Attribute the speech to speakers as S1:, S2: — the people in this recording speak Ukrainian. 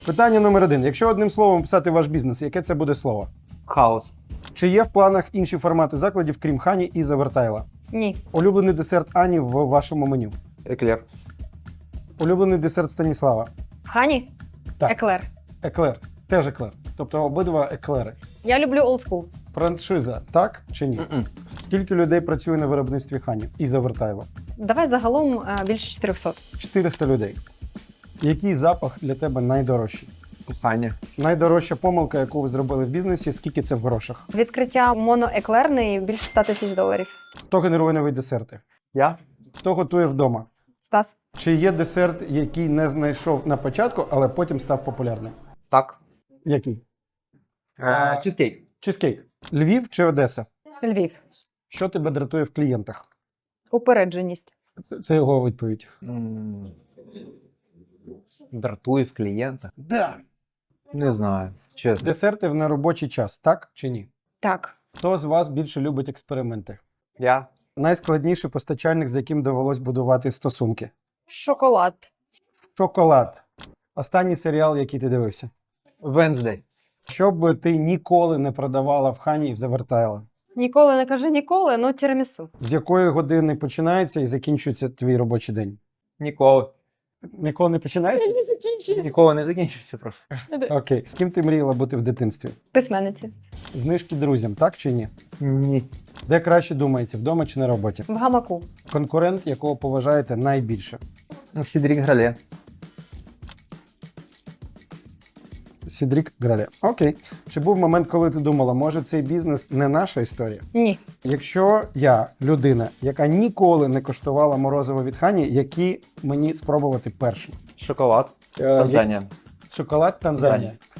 S1: Питання номер 1. Якщо одним словом описати ваш бізнес, яке це буде слово?
S2: Хаос.
S1: Чи є в планах інші формати закладів, крім Хані і Завертайла?
S3: Ні.
S1: Улюблений десерт Ані в вашому меню?
S2: Еклер.
S1: Улюблений десерт Станіслава?
S3: Хані?
S1: Так.
S3: Еклер.
S1: Еклер. Теж еклер. Тобто обидва еклери.
S3: Я люблю олдскул.
S1: Франшиза, так чи ні? Скільки людей працює на виробництві Хані і Завертайла?
S3: Давай загалом більше 400.
S1: 400 людей. Який запах для тебе найдорожчий?
S2: Кохання.
S1: Найдорожча помилка, яку ви зробили в бізнесі, скільки це в грошах?
S3: Відкриття моноеклерної більше 100 тисяч доларів.
S1: Хто генерує нові десерти?
S2: Я?
S1: Хто готує вдома?
S3: Стас?
S1: Чи є десерт, який не знайшов на початку, але потім став популярним?
S2: Так.
S1: Який?
S2: Чизкейк.
S1: Чизкейк. Львів чи Одеса?
S3: Львів.
S1: Що тебе дратує в клієнтах?
S3: Упередженість.
S1: Це його відповідь.
S2: Дратує в клієнта.
S1: Да.
S2: Не знаю. Чесно.
S1: Десерти в неробочий час, так чи ні?
S3: Так.
S1: Хто з вас більше любить експерименти?
S2: Я?
S1: Найскладніший постачальник, з яким довелось будувати стосунки?
S3: Шоколад.
S1: Шоколад. Останній серіал, який ти дивився?
S2: Венздей.
S1: Що б ти ніколи не продавала в Хані і в Завертайла?
S3: Ніколи не кажи ніколи, ну тірамісу.
S1: З якої години починається і закінчується твій робочий день?
S2: Ніколи.
S1: Ніколи не починається?
S3: Не закінчується.
S2: Ніколи не закінчується просто.
S1: Окей. З ким ти мріяла бути в дитинстві?
S3: Письменниці.
S1: Знижки друзям, так чи ні?
S2: Ні.
S1: Де краще думається, вдома чи на роботі?
S3: В гамаку.
S1: Конкурент, якого поважаєте найбільше?
S2: Сідрік Грале.
S1: Сідрік Грале. Окей. Чи був момент, коли ти думала, може цей бізнес не наша історія?
S3: Ні.
S1: Якщо я людина, яка ніколи не коштувала морозиво від Хані, які мені спробувати першим?
S2: Шоколад. Танзанія.
S1: Шоколад Танзанія.